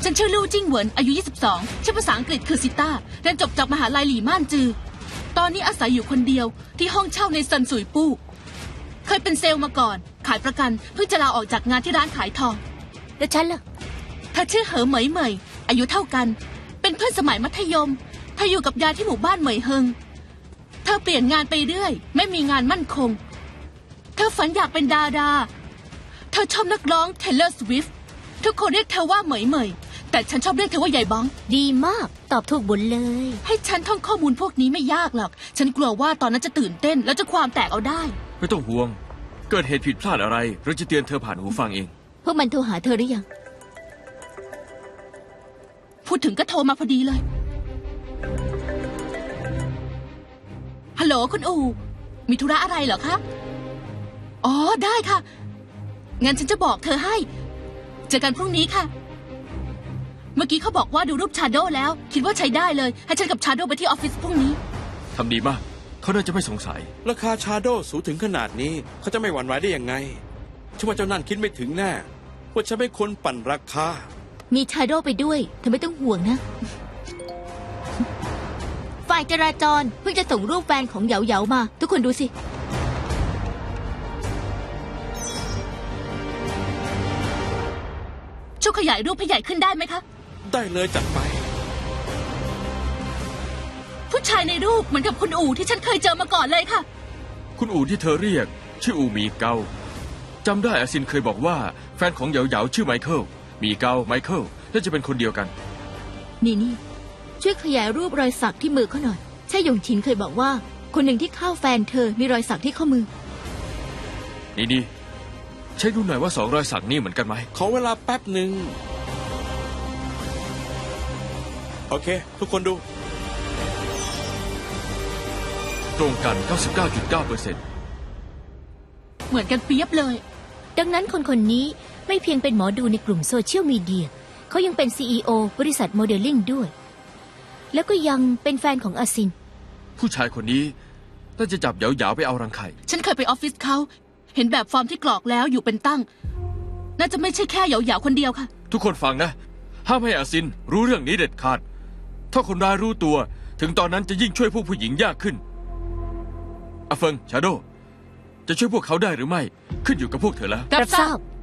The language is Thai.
ฉันชื่อลู่จิ้งเหวินอายุ 22 ชื่อภาษาอังกฤษคือซิต้าเรียนจบจากมหาลัยหลี่ม่านจือตอนนี้อาศัยอยู่คนเดียวที่ห้องเช่าในซันสุยปู้เคยเป็นเซลล์มาก่อนขายประกันเพิ่งจะลาออกจากงานที่ร้านขายทองแล้วฉันล่ะเธอชื่อเหอเหมยเหมยอายุเท่ากันเป็นเพื่อนสมัยมัธยมเธออยู่กับยายที่หมู่บ้านเหมยเฮงเธอเปลี่ยนงานไปเรื่อยไม่มีงานมั่นคงเธอฝันอยากเป็นดาราเธอชอบนักร้อง Taylor Swift ทุกคนเรียกเธอว่าเหมยเหมยแต่ฉันชอบเรียกเธอว่าใหญ่บ้องดีมากตอบถูกบุญเลยให้ฉันท่องข้อมูลพวกนี้ไม่ยากหรอกฉันกลัวว่าตอนนั้นจะตื่นเต้นแล้วจะความแตกเอาได้ไม่ต้องห่วงเกิดเหตุผิดพลาดอะไรเราจะเตือนเธอผ่านหูฟังเองพวกมันโทรหาเธอหรือยังพูดถึงก็โทรมาพอดีเลยฮัลโหลคุณอูมีธุระอะไรเหรอคะอ๋อได้ค่ะงั้นฉันจะบอกเธอให้เจอกันพรุ่งนี้ค่ะเมื่อกี้เขาบอกว่าดูรูปชาโดแล้วคิดว่าใช้ได้เลยให้ฉันกับชาโดไปที่ออฟฟิศพรุ่งนี้ทำดีมากเขาน่าจะไม่สงสัยราคาชาโดสูงถึงขนาดนี้เขาจะไม่หวั่นไหวได้ยังไงฉันว่าเจ้านั่นคิดไม่ถึงแน่ว่าฉันเป็นคนปั่นราคามีชาโดไปด้วยเธอไม่ต้องห่วงนะฝ่ายจราจรเพิ่งจะส่งรูปแฟนของเหยาเหยามาทุกคนดูสิช่วยขยายรูปให้ใหญ่ขึ้นได้ไหมคะได้เลยจัดไปผู้ชายในรูปเหมือนกับคุณอู่ที่ฉันเคยเจอมาก่อนเลยค่ะคุณอู่ที่เธอเรียกชื่ออู่มีเกาจำได้อาซินเคยบอกว่าแฟนของเหยาเหยาชื่อไมเคิลมีเกาไมเคิลน่าจะเป็นคนเดียวกันนี่ช่วยขยายรูปรอยสักที่มือเขาหน่อยใช่หยงชินเคยบอกว่าคนหนึ่งที่เข้าแฟนเธอมีรอยสักที่ข้อมือนี่ใช่ดูหน่อยว่า2 รอยสักนี่เหมือนกันไหมขอเวลาแป๊บหนึ่งโอเคทุกคนดูตรงกัน 99.9% เหมือนกันเปียบเลยดังนั้นคนนี้ไม่เพียงเป็นหมอดูในกลุ่มโซเชียลมีเดียเขายังเป็น CEO บริษัทโมเดลลิ่งด้วยแล้วก็ยังเป็นแฟนของอาซินผู้ชายคนนี้น่าจะจับเหยาเหยาไปเอารังไข่ฉันเคยไปออฟฟิศเขาเห็นแบบฟอร์มที่กรอกแล้วอยู่เป็นตั้งน่าจะไม่ใช่แค่เหยาเหยาคนเดียวค่ะทุกคนฟังนะห้ามให้อาซินรู้เรื่องนี้เด็ดขาดถ้าคนร้ายรู้ตัวถึงตอนนั้นจะยิ่งช่วยพวกผู้หญิงยากขึ้นอาเฟิงชาโดจะช่วยพวกเขาได้หรือไม่ขึ้นอยู่กับพวกเธอแล้วรับทราบ